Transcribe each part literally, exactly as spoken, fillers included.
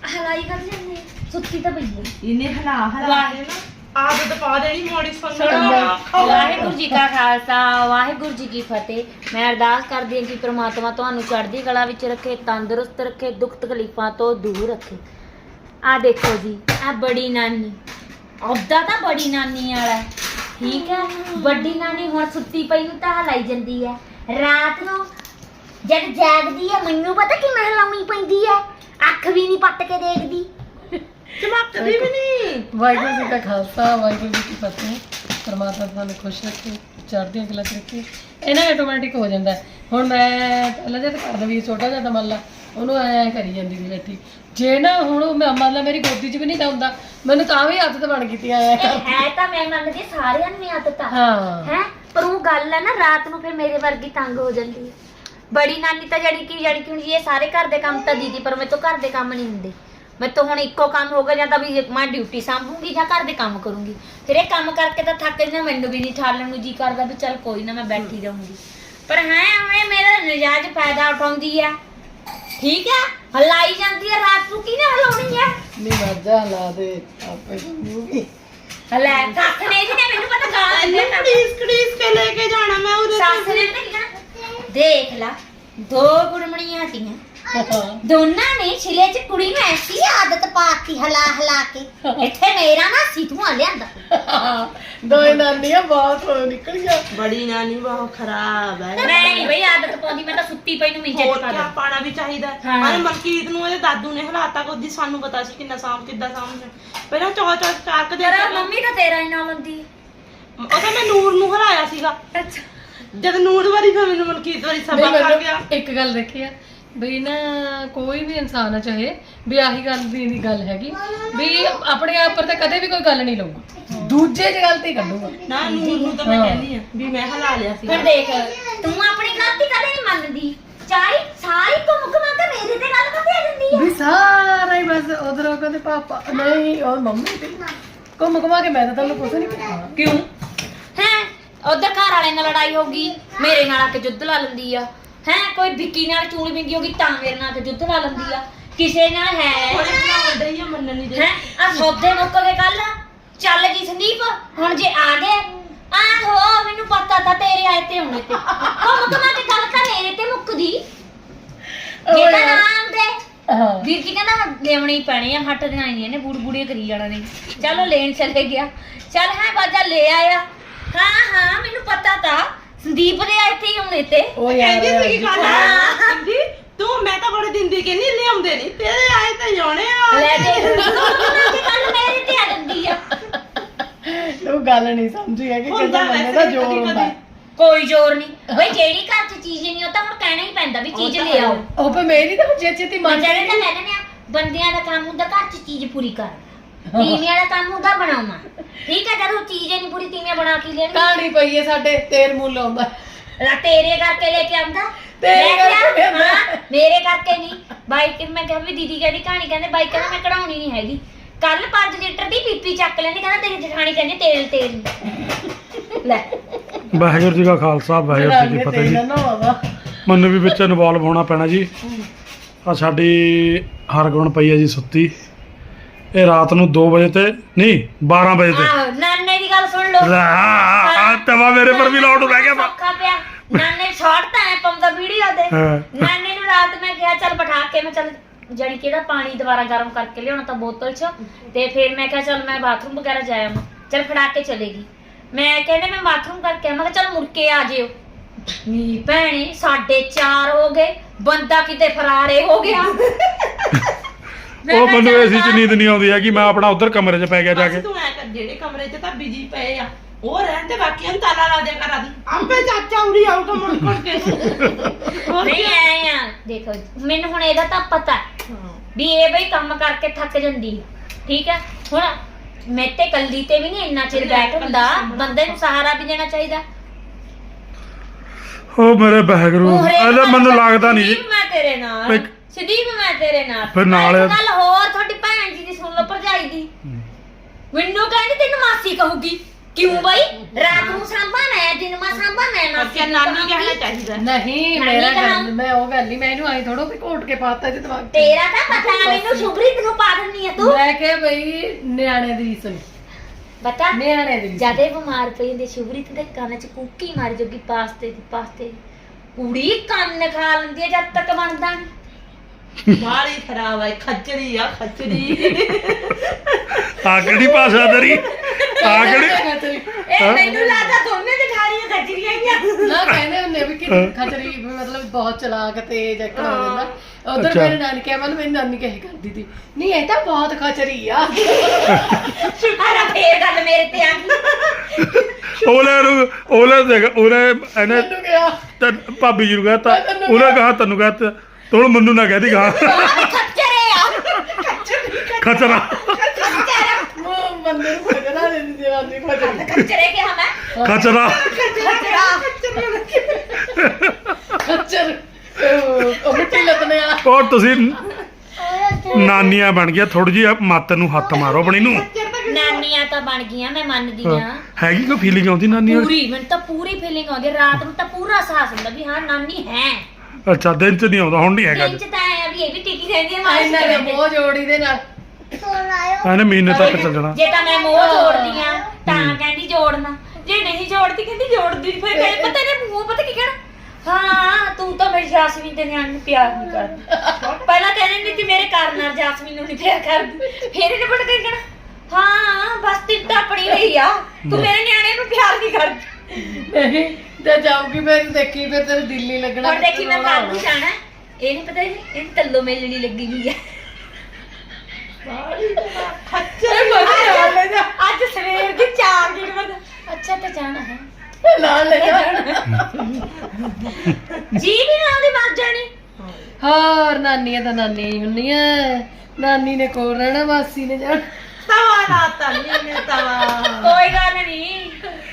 ਹਲਾਈ ਕਰ ਜਾਂਦੀ ਸੁੱਤੀ ਤਾਂ ਪਈ ਹੈ ਇਹਨੇ ਹਲਾ ਹਲਾ ਕੇ ਨਾ ਆਦਤ ਪਾ ਦੇਣੀ ਮੋੜੀ ਸੁਣੋ ਵਾਹਿਗੁਰੂ ਜੀ ਕਾ ਖਾਲਸਾ ਵਾਹਿਗੁਰੂ ਜੀ ਕੀ ਫਤਿਹ। ਮੈਂ ਅਰਦਾਸ ਕਰਦੀ ਹਾਂ ਕਿ ਪ੍ਰਮਾਤਮਾ ਤੁਹਾਨੂੰ ਚੜ੍ਹਦੀ ਕਲਾ ਵਿੱਚ ਰੱਖੇ, ਤੰਦਰੁਸਤ ਰੱਖੇ, ਦੁੱਖ ਤਕਲੀਫਾਂ ਤੋਂ ਦੂਰ ਰੱਖੇ। ਆ ਦੇਖੋ ਜੀ ਆ ਬੜੀ ਨਾਨੀ ਉਹਦਾ ਤਾਂ ਬੜੀ ਨਾਨੀ ਵਾਲਾ ਠੀਕ ਹੈ। ਵੱਡੀ ਨਾਨੀ ਹੁਣ ਸੁੱਤੀ ਪਈ ਨੂੰ ਤਾਂ ਹਲਾਈ ਜਾਂਦੀ ਹੈ। ਰਾਤ ਨੂੰ ਜਦ ਜਾਗਦੀ ਹੈ ਮੈਨੂੰ ਪਤਾ ਕਿਵੇਂ ਹਲਾਉਣੀ ਪੈਂਦੀ ਹੈ। ਅੱਖ ਵੀ ਨਹੀਂ ਪੱਟ ਕੇ ਦੇਖਦੀ, ਚਮਕਦੀ ਵੀ ਨਹੀਂ। ਵਾਹਿਗੁਰੂ ਜੀ ਦਾ ਖਾਲਸਾ ਵਾਹਿਗੁਰੂ ਜੀ ਕੀ ਫਤਿਹ। ਪਰਮਾਤਮਾ ਤੁਹਾਨੂੰ ਖੁਸ਼ ਰੱਖੇ, ਚੜ੍ਹਦੀਆਂ ਕਲਾ ਚ ਰੱਖੇ। ਇਹਨਾਂ ਆਟੋਮੈਟਿਕ ਹੋ ਜਾਂਦਾ ਹੈ। ਹੁਣ ਮੈਂ ਪਹਿਲਾਂ ਜਦ ਕਰਦਾ ਵੀ ਛੋਟਾ ਜਿਹਾ ਤਾਂ ਮੰਨ ਲਾ ਉਹਨੂੰ ਐਂ ਐਂ ਕਰੀ ਜਾਂਦੀ ਸੀ ਬੈਠੀ। ਜੇ ਨਾ ਹੁਣ ਮੈਂ ਮੰਨ ਲਾ ਮੇਰੀ ਗੋਦੀ 'ਚ ਵੀ ਨਹੀਂ ਹੁੰਦਾ ਮੈਨੂੰ ਤਾਂ ਵੀ ਆਦਤ ਬਣ ਗਈ ਐ ਹੈ ਤਾਂ ਮੈਂ ਮੰਨਦੀ ਸਾਰਿਆਂ ਨੂੰ ਆਦਤ ਆ ਹਾਂ ਹੈ। ਪਰ ਉਹ ਗੱਲ ਹੈ ਨਾ ਰਾਤ ਨੂੰ ਫਿਰ ਮੇਰੇ ਵਰਗੀ ਤੰਗ ਹੋ ਜਾਂਦੀ ਹੈ। ਬੜੀ ਨਾਨੀ ਤਾਂ ਜਿਹੜੀ ਕਿ ਜਿਹੜੀ ਕਿ ਹੁਣ ਇਹ ਸਾਰੇ ਘਰ ਦੇ ਕੰਮ ਤਾਂ ਦੀਦੀ ਪਰ ਮੇਰੇ ਤੋਂ ਘਰ ਦੇ ਕੰਮ ਨਹੀਂ ਹੁੰਦੇ। ਮੈਂ ਤਾਂ ਹੁਣ ਇੱਕੋ ਕੰਮ ਹੋਗਾ ਜਾਂ ਤਾਂ ਵੀ ਮੈਂ ਡਿਊਟੀ ਸੰਭੂਗੀ ਜਾਂ ਘਰ ਦੇ ਕੰਮ ਕਰੂੰਗੀ। ਫਿਰ ਇਹ ਕੰਮ ਕਰਕੇ ਤਾਂ ਥੱਕ ਜਾਂਦਾ, ਮੈਨੂੰ ਵੀ ਨਹੀਂ ਠਾਲਣ ਨੂੰ ਜੀ ਕਰਦਾ ਵੀ ਚੱਲ ਕੋਈ ਨਾ ਮੈਂ ਬੈਠੀ ਰਹੂੰਗੀ। ਪਰ ਹੈ ਐਵੇਂ ਮੇਰਾ ਨਜਾਇਜ਼ ਫਾਇਦਾ ਉਠਾਉਂਦੀ ਆ ਠੀਕ ਹੈ। ਹਲਾਈ ਜਾਂਦੀ ਹੈ ਰਾਤ ਨੂੰ ਕਿਹਨੇ ਹਲਾਉਣੀ ਹੈ। ਨਹੀਂ ਮਰਜਾ ਲਾ ਦੇ ਆਪੇ ਕਰੂਗੀ। ਹਲੇ ਸੱਸ ਨੇ ਜੀ ਨੇ ਮੈਨੂੰ ਪਤਾ ਗਾਲਾਂ ਦਿੰਦੇ ਤਾਂ ਕੜੀਸ ਕੜੀਸ ਕੇ ਲੈ ਕੇ ਜਾਣਾ ਮੈਂ ਉਹਦੇ ਸੱਸ ਨੇ ਤਾਂ ਕੀ ਕਹਿਣਾ, ਦੇਖ ਲਾ ਦੋ ਗੁੜਮਣੀਆਂ ਹਟੀਆਂ ਦੋਨਾਂ ਨੇ ਛਿਲੇ ਚ ਕੁੜੀ ਨੂੰ ਐਸੀ ਆਦਤ ਪਾਤੀ ਹਲਾ ਹਲਾ ਕੇ। ਇੱਥੇ ਮੇਰਾ ਨਾ ਸਿੱਧੂਆਂ ਲਿਆਂਦਾ ਦੋਏ ਨਾਨੀਆਂ ਬਹੁਤ ਹੋ ਨਿਕਲੀਆਂ। ਬੜੀ ਨਾਨੀ ਬਹੁਤ ਖਰਾਬ ਹੈ। ਨਹੀਂ ਬਈ ਆਦਤ ਪਾਉਂਦੀ ਮੈਂ ਤਾਂ ਸੁੱਤੀ ਪਈ ਨੂੰ ਮਿੰਜੇ ਹੋਰ ਪਾ ਕਿਆ ਦੇ। ਪਾਣਾ ਵੀ ਚਾਹੀਦਾ। ਹਾਂ। ਅਰੇ ਮਲਕੀਤ ਨੂੰ ਇਹਦੇ ਦਾਦੂ ਨੇ ਹਲਾਤਾ ਕੋਦੀ ਸਾਨੂੰ ਪਤਾ ਸੀ ਕਿੰਨਾ ਸਾਂਭ ਕਿੱਦਾਂ ਸਾਂਭ ਪਹਿਲਾਂ ਚੌ ਚੌ ਚਾਕ ਦੇ ਤੇਰਾ ਮੰਮੀ ਤਾਂ ਤੇਰਾ ਹੀ ਨਾਲ ਹੁੰਦੀ ਉਹ ਤਾਂ ਮੈਂ ਨੂਰ ਨੂੰ ਹਰਾਇਆ ਸੀਗਾ। ਅੱਛਾ ਜਦ ਨੂਰ ਵਾਰੀ ਫਿਰ ਮੈਨੂੰ ਮਲਕੀਤ ਵਾਰੀ ਨਹੀਂ, ਸਬਕ ਆ ਮੈਨੂੰ ਗਿਆ। ਇੱਕ ਗੱਲ ਦੇਖੀ ਆ ਵੀ ਨਾ ਕੋਈ ਵੀ ਇਨਸਾਨ ਆ ਚਾਹੇ ਵੀ ਆਹੀ ਗੱਲ ਦੀ ਦੀ ਗੱਲ ਹੈਗੀ ਵੀ ਆਪਣੇ ਆਪ ਪਰ ਤਾਂ ਕਦੇ ਵੀ ਕੋਈ ਗੱਲ ਨਹੀਂ ਲਊਗਾ, ਦੂਜੇ 'ਚ ਗਲਤੀ ਕੱਢੂਗਾ। ਨਾ ਨੂਰ ਨੂੰ ਤਾਂ ਮੈਂ ਕਹਿੰਦੀ ਆ ਵੀ ਮੈਂ ਹਲਾ ਲਿਆ ਸੀ। ਫਿਰ ਦੇਖ ਤੂੰ ਆਪਣੀ ਗਲਤੀ ਕਦੇ ਨਹੀਂ ਮੰਨਦੀ। ਚਾਹੀ ਸਾਰੀ ਘੁੰਮ ਘੁਮਾ ਕੇ ਮੇਰੇ ਤੇ ਗੱਲ ਕਰਦੇ ਆ ਜਾਂਦੀ ਹੈ। ਵੀ ਸਾਰਾ ਹੀ ਬਸ ਉਧਰੋਂ ਕਹਿੰਦੇ ਪਾਪਾ ਨਹੀਂ ਉਹ ਮੰਮੀ ਤੇ ਘੁੰਮ ਘੁਮਾ ਕੇ ਮੈਂ ਤਾਂ ਤੁਹਾਨੂੰ ਕੁਛ ਨਹੀਂ ਕਿਹਾ। ਕਿਉਂ ਹੈ ਉਧਰ ਘਰ ਵਾਲੇ ਨਾਲ ਲੜਾਈ ਹੋ ਗਈ ਮੇਰੇ ਨਾਲ ਆ ਕੇ ਜੁੱਧ ਲਾ ਲੈਂਦੀ ਆ ਹੈ। ਕੋਈ ਵਿੱਕੀ ਨਾਲ ਚੂਲ ਮਿੰਗੀ ਹੋ ਗਈ ਤਾਂ ਮੇਰੇ ਨਾਲ ਆ ਕੇ ਜੁੱਧ ਲਾ ਲੈਂਦੀ ਆ। ਕਿਸੇ ਨਾਲ ਹੈ ਉਹਨੇ ਬਣਾਉਂਦਾ ਹੀ ਆ ਮੰਨਣ ਨਹੀਂ ਦੇ। ਹੈ ਆ ਸੌਦੇ ਮੁੱਕ ਗਏ ਕੱਲ। ਚੱਲ ਗਈ ਸੰਦੀਪ ਹੁਣ ਜੇ ਆ ਗਏ ਆਹੋ ਮੈਨੂੰ ਪਤਾ ਤਾਂ ਤੇਰੇ ਆਏ ਤੇ ਹੁਣੇ ਤੇ ਘੁੰਮ ਘੁਮਾ ਕੇ ਗੱਲ ਤਾਂ ਮੇਰੇ ਤੇ ਮੁੱਕਦੀ। ਇਹ ਤਾਂ ਨਾਮ ਦੇ ਹਾਂ ਵੀਰ ਜੀ ਕਹਿੰਦਾ ਲੈਵਣੀ ਪੈਣੀ ਆ ਹੱਟ ਦੀਆਂ ਆਈਆਂ ਨੇ ਬੂੜ ਬੂੜੇ ਕਰੀ ਜਾਣਾ ਨੇ। ਚਲੋ ਲੈਣ ਚਲੇ ਗਿਆ। ਚੱਲ ਹੈ ਬਾਜਾ ਲੈ ਆਇਆ। ਹਾਂ ਹਾਂ ਮੈਨੂੰ ਪਤਾ ਤਾਂ ਸੰਦੀਪ ਦੇ ਆਏ ਤੇ ਹੁਣੇ ਤੇ ਉਹ ਯਾਰ ਕਹਿੰਦੀ ਸੀ ਗੱਲ ਕਹਿੰਦੀ ਤੂੰ ਮੈਂ ਤਾਂ ਬੜੇ ਦਿਨ ਦੀ ਕਹਿੰਦੀ ਲਿਆਉਂਦੇ ਨਹੀਂ ਤੇਰੇ ਆਏ ਤਾਂ ਜਾਣੇ ਆ। ਲੈ ਦੇ ਕੱਲ ਮੇਰੇ ਤੇ ਆ ਜਾਂਦੀ ਆ। ਤੂੰ ਗੱਲ ਨਹੀਂ ਸਮਝੀ ਹੈ ਕਿ ਹੁੰਦਾ ਕਿੰਨਾ ਬੰਦੇ ਵੈਸੇ ਦਾ ਕਦੀ ਜ਼ੋਰ ਹੁੰਦਾ। ਕਦੀ। ਕੋਈ ਜ਼ੋਰ ਨਹੀਂ ਬਈ ਜਿਹੜੀ ਘਰ 'ਚ ਚੀਜ਼ ਨਹੀਂ ਉਹ ਤਾਂ ਹੁਣ ਕਹਿਣਾ ਹੀ ਪੈਂਦਾ ਵੀ ਚੀਜ਼ ਲੈ ਆਓ। ਉਹ ਪੇ ਮੇਰੀ ਤਾਂ ਜੇ ਚੇਤੀ ਮੰਨ ਜਿਹੜੇ ਤਾਂ ਕਹਿੰਦੇ ਨੇ ਬੰਦਿਆਂ ਦਾ ਕੰਮ ਹੁੰਦਾ ਘਰ 'ਚ ਚੀਜ਼ ਪੂਰੀ ਕਰ। ਤੀਵੀਆਂ ਦਾ ਕੰਮ ਹੁੰਦਾ ਬਣਾਉਣਾ ਠੀਕ ਹੈ। ਜਦੋਂ ਚੀਜ਼ ਨਹੀਂ ਪੂਰੀ ਤੀਵੀਆਂ ਬਣਾ ਕੇ ਲੈਣੀ ਕਹਾਣੀ ਪਈ ਹੈ ਸਾਡੇ ਤੇਲ ਮੁੱਲ ਆਉਂਦਾ ਲਾ ਤੇਰੇ ਕਰਕੇ ਲੈ ਕੇ ਆਉਂਦਾ ਤੇਰੇ ਲੈ ਕੇ ਕਰਕੇ ਆ- ਆਉਂਦਾ। ਹਾਂ, ਮੇਰੇ ਕਰਕੇ ਨਹੀਂ। ਬਾਈਕ ਮੈਂ ਕਿਹਾ ਵੀ ਦੀਦੀ ਕਹਿੰਦੀ ਕਹਾਣੀ ਕਹਿੰਦੇ ਬਾਈਕ ਕਹਿੰਦਾ ਮੈਂ ਕਢਾਉਣੀ ਨਹੀਂ ਹੈਗੀ। ਕੱਲ ਪੰਜ ਲੀਟਰ ਦੀ ਪੀਪੀ ਚੱਕ ਲੈਂਦੀ ਕਹਿੰਦਾ ਤੇਰੀ ਜਠਾਣੀ ਕਹਿੰਦੀ ਤੇਲ ਤੇਲ ਲੈ। ਵਾਹਿਗੁਰੂ ਜੀ ਕਾ ਖਾਲਸਾ ਵਾਹਿਗੁਰੂ ਜੀ ਕੀ ਫਤਿਹ ਜੀ। ਮੈਨੂੰ ਵੀ ਵਿੱਚ ਇਨਵੋਲਵ ਹੋਣਾ ਪੈਣਾ ਜੀ। ਆ ਸਾਡੀ ਹਰਗੁਣ ਪਈ ਹੈ ਜੀ ਸੁੱਤੀ। ਇਹ ਰਾਤ ਨੂੰ ਦੋ ਵਜੇ ਤੇ ਨਹੀਂ ਬਾਰਾਂ ਵਜੇ ਤੇ ਆਹੋ ਨਾਨੇ ਦੀ ਗੱਲ ਸੁਣ ਲਓ। ਆ ਤਵਾ ਮੇਰੇ ਪਰ ਵੀ ਲਾਉਣ ਬਹਿ ਗਿਆ ਵਾ। ਔਖਾ ਪਿਆ ਨਾਨੇ ਸ਼ਾਰਟ ਤਾਂ ਐ ਪਾਉਂਦਾ ਵੀਡੀਓ ਦੇ। ਹਾਂ। ਨਾਨੇ ਨੂੰ ਰਾਤ ਮੈਂ ਕਿਹਾ ਚੱਲ ਬਿਠਾ ਕੇ ਮੈਂ ਚੱਲ ਜਾਨੀ ਕਿ ਇਹਦਾ ਪਾਣੀ ਦੁਬਾਰਾ ਗਰਮ ਕਰਕੇ ਲਿਆਉਣਾ ਤਾਂ ਬੋਤਲ 'ਚ ਤੇ ਫਿਰ ਮੈਂ ਕਿਹਾ ਚੱਲ ਮੈਂ ਬਾਥਰੂਮ ਵਗੈਰਾ ਜਾਇਆ ਮੈਂ ਚੱਲ ਫੜਾ ਕੇ ਚਲੇਗੀ। ਮੈਂ ਕਹਿੰਦੇ ਮੈਂ ਬਾਥਰੂਮ ਕਰਕੇ ਮੈਂ ਕਿਹਾ ਚੱਲ ਮੁੜ ਕੇ ਆ ਜਿਓ। ਨੀ ਭੈਣੇ ਸਾਢੇ ਚਾਰ ਹੋ ਗਏ ਬੰਦਾ ਕਿਤੇ ਫਰਾਰੇ ਹੋ ਗਿਆ। ਉਹ ਮੈਨੂੰ ਏਸੀ ਚ ਨੀਂਦ ਨਹੀਂ ਆਉਂਦੀ ਹੈ ਕਿ ਮੈਂ ਆਪਣਾ ਉਧਰ ਕਮਰੇ 'ਚ ਪੈ ਗਿਆ ਜਾ ਕੇ। ਬਸ ਤੂੰ ਐ ਕਰ ਜਿਹੜੇ ਕਮਰੇ 'ਚ ਤਾਂ ਬਿਜੀ ਪਏ ਆ ਉਹ ਰਹਿਣ ਤੇ ਬਾਕੀਆਂ ਨੂੰ ਤਾਲਾ ਲਾ ਦਿਆ ਕਰ ਆਦੀ ਆਪੇ ਚਾਚਾ ਉਰੀ ਆਊਗਾ ਮੁੜ ਮੁੜ ਕੇ। ਹੋਰ ਨਹੀਂ ਕੀ? ਆਏ ਆ ਦੇਖੋ ਮੈਨੂੰ ਹੁਣ ਇਹਦਾ ਤਾਂ ਪਤਾ ਵੀ ਇਹ ਬਈ ਕੰਮ ਕਰਕੇ ਥੱਕ ਜਾਂਦੀ ਠੀਕ ਹੈ। ਹੁਣ ਮੈਂ ਤੇ ਕੱਲੀ ਤੇ ਵੀ ਨਹੀਂ ਇੰਨਾ ਚਿਰ ਬੈਠ ਹੁੰਦਾ ਬੰਦੇ ਨੂੰ ਸਹਾਰਾ ਵੀ ਦੇਣਾ ਚਾਹੀਦਾ। ਉਹ ਮੇਰੇ ਵਾਹਿਗੁਰੂ ਇਹਦਾ ਮੈਨੂੰ ਲੱਗਦਾ ਨਹੀਂ ਜੀ। ਸੰਦੀਪ ਮੈਂ ਤੇਰੇ ਨਾਲ ਇੱਕ- ਸੰਦੀਪ ਮੈਂ ਤੇਰੇ ਨਾਲ ਫਿਰ ਨਾਲ- ਇੱਕ ਗੱਲ ਹੋਰ ਤੁਹਾਡੀ ਭੈਣ ਜੀ ਦੀ ਸੁਣ ਲਓ ਭਰਜਾਈ ਦੀ। ਮੈਨੂੰ ਕਹਿੰਦੀ ਤੈਨੂੰ ਮਾਸੀ ਕਹੂਗੀ ਕਿਉਂ ਬਈ ਰਾਤ ਨੂੰ ਸਾਂਭਾ ਮੈਂ ਦਿਨ ਮਾ ਸਾਂਭਾ ਮੈਂ ਨਾ ਬੱਚਾ ਨਾਨੀ ਕਹਿਣਾ ਚਾਹੀਦਾ ਨਹੀਂ ਨਾਨੀ ਮੇਰਾ ਕਹਾਂ। ਗੱਲ ਮੈਂ ਉਹ ਗੱਲ ਨਹੀਂ ਮੈਂ ਇਹਨੂੰ ਆਈ ਥੋੜੋ ਵੀ ਘੋਟ ਕੇ ਪਾਤਾ ਇਹਦੇ ਦਿਮਾਗ 'ਚ। ਤੇਰਾ ਤਾਂ ਪਤਾ ਮੈਨੂੰ ਸ਼ੁਭਰੀਤ ਨੂੰ ਪਾ ਦਿੰਦੀ ਆ ਤੂੰ ਮੈਂ ਕਿਹਾ ਬਈ ਨਿਆਣੇ ਦੀ ਰੀਸ ਨੀ ਬਤਾ ਨਿਆਣੇ ਦੀ ਰੀਸ ਨੀ। ਜਦੇ ਬਿਮਾਰ ਪਈ ਹੁੰਦੀ ਸ਼ੁਭਰੀਤ ਦੇ ਕੰਨ 'ਚ ਕੁੱਕੀ ਮਾਰ ਜੋਗੀ ਪਾਸਤੇ ਦੀ ਪਾਸਤੇ ਕੁੜੀ ਕੰਨ ਖਾ ਲੈਂਦੀ ਆ ਜਦ ਤੱਕ ਬਣਦਾ ਨੀ। ਬਾਲੀ ਖਰਾਬ ਹੈ ਖੱਚੜੀ ਆ ਖੱਚੜੀ ਆ ਕਿਹੜੀ ਭਾਸ਼ਾ ਤੇਰੀ ਆ ਕਿਹੜੀ ਇਹ ਮੈਨੂੰ ਲੱਗਦਾ ਦੋਨੇ ਦਿਖਾਰੀਆਂ ਖੱਜਰੀਆਂ ਹੀ ਆ ਨਾ ਕਹਿੰਦੇ ਹੁੰਦੇ ਵੀ ਕਿ ਖਚਰੀ ਵੀ ਮਤਲਬ ਬਹੁਤ ਚਲਾਕ ਤੇਜ਼ ਐਕਟਰ ਹੋ ਜਾਂਦਾ ਉਧਰ ਅੱਛਾ। ਮੇਰੇ ਨਾਨੀ ਕਹਿ ਮੈਨੂੰ ਮੇਰੀ ਨਾਨੀ ਕਹੇ ਕਰਦੀ ਸੀ ਨਹੀਂ ਇਹ ਤਾਂ ਬਹੁਤ ਖਚਰੀ ਆ ਅਰੇ ਫੇਰ ਗੱਲ ਮੇਰੇ ਤੇ ਆ ਗਈ ਉਹਲੇ ਨੂੰ ਉਹਲੇ ਦੇਖ ਉਹਨੇ ਇਹਨੇ ਮੈਨੂੰ ਕਿਹਾ ਤੇ ਭਾਬੀ ਜੀ ਨੂੰ ਕਹਤਾ ਉਹਨੇ ਕਹਾ ਤੈਨੂੰ ਕਹਤਾ ਤੂੰ ਹੁਣ ਮੈਨੂੰ ਨਾ ਕਹਦੀ ਕਹਾ ਖੱਚਰੇ ਆ ਖਚਰਾ ਉਹ ਬੰਦੇ ਨੂੰ ਖਚਰਾ ਦੇ ਦਿੰਦੀ ਨਾਨੀ ਖਚਰੀ ਖੱਚਰੇ ਕਿਹਾ ਮੈਂ ਖਚਰਾ ਖੱਚਰ ਉਹ ਉਹ ਮਿੱਟੀ ਲੱਤਨੇ ਆ ਔਰ ਤੁਸੀਂ ਨਾਨੀਆਂ ਬਣ ਗਿਆ ਥੋੜੀ ਜਿਹੀ ਮੱਤ ਨੂੰ ਹੱਥ ਮਾਰੋ ਆਪਣੀ ਨੂੰ ਨਾਨੀਆਂ ਤਾਂ ਬਣ ਗਈਆਂ ਮੈਂ ਮੰਨਦੀ ਆ ਹੈਗੀ ਕੋਈ ਫੀਲਿੰਗ ਆਉਂਦੀ ਨਾਨੀ ਵਾਲੀ ਪੂਰੀ ਮੈਨੂੰ ਤਾਂ ਪੂਰੀ ਫੀਲਿੰਗ ਆਉਂਦੀ ਰਾਤ ਨੂੰ ਤਾਂ ਪੂਰਾ ਸਾਹਸ ਹੁੰਦਾ ਵੀ ਹਾਂ ਨਾਨੀ ਹੈ ਅੱਛਾ ਦਿਨ ਚ ਨਹੀਂ ਆਉਂਦਾ ਹੁਣ ਨਹੀਂ ਹੈਗਾ ਦਿਨ ਚ ਤਾਂ ਆਇਆ ਵੀ ਇਹ ਵੀ ਟਿਕੀ ਰਹਿੰਦੀ ਹੈ ਮਾਂ ਇਹਨਾਂ ਨੇ ਮੋਹ ਜੋੜੀ ਦੇ ਨਾਲ ਇਹਨੇ ਮਹੀਨੇ ਤੱਕ ਚੱਲ ਜਾਣਾ ਜੇ ਤਾਂ ਮੈਂ ਮੋਹ ਜੋੜਦੀ ਆ ਤਾਂ ਕਹਿੰਦੀ ਜੋੜਨਾ ਜੇ ਨਹੀਂ ਜੋੜਦੀ ਕਹਿੰਦੀ ਜੋੜਦੀ ਨੀ। ਫਿਰ ਕਹਿੰਦੇ ਪਤਾ ਨੇ ਮੂੰਹ ਪਤਾ ਕੀ ਕਹਿਣਾ ਹਾਂ ਤੂੰ ਤਾਂ ਮੇਰੀ ਜਾਸਮੀਨ ਦੇ ਨਿਆਣੇ ਨੂੰ ਪਿਆਰ ਨਹੀਂ ਕਰਦੀ ਪਹਿਲਾਂ ਕਹਿੰਦੇ ਨਹੀਂ ਕਿ ਮੇਰੇ ਕਾਰਨ ਨਾਲ ਜਾਸਮੀਨ ਨੂੰ ਨਹੀਂ ਪਿਆਰ ਕਰਦੀ ਫਿਰ ਇਹਨੇ ਪਤਾ ਕੀ ਕਹਿਣਾ ਹਾਂ ਬਸ ਤਿੰਨ ਤਾਂ ਆਪਣੀ ਰਹੀ ਆ ਤੂੰ ਮੇਰੇ ਨਿਆਣੇ ਨੂੰ ਪਿਆਰ ਨਹੀਂ ਕਰਦੀ ਨਹੀਂ ਤੇ ਜਾਊਗੀ ਫਿਰ ਦੇਖੀ ਫਿਰ ਤੇਰੇ ਦਿਲ ਨਹੀਂ ਲੱਗਣਾ ਹੁਣ ਦੇਖੀ ਮੈਂ ਕੱਲ ਨੂੰ ਜਾਣਾ ਇਹ ਨਹੀਂ ਪਤਾ ਇਹ ਤੱਲੋ ਮੇਲਣੀ ਲੱਗੀ ਹੋਈ ਆ ਅੱਜ ਸਵੇਰ ਦੀ ਚਾਰ ਦਿਨ ਬਾਅਦ ਅੱਛਾ ਤੇ ਜਾਣਾ ਹੈ ਨਾਲ ਲੈ ਜਾਣਾ ਜੀ ਵੀ ਨਾਲ ਦੀ ਮਰ ਜਾਣੀ ਹੋਰ ਨਾਨੀਆਂ ਤਾਂ ਨਾਨੀਆਂ ਹੀ ਹੁੰਦੀਆਂ ਨਾਨੀ ਨੇ ਕੋਲ ਰਹਿਣਾ ਮਾਸੀ ਨੇ ਜਾਣਾ ਤਵਾ ਲਾਤਾ ਨੀ ਤਵਾ ਕੋਈ ਗੱਲ ਨਹੀਂ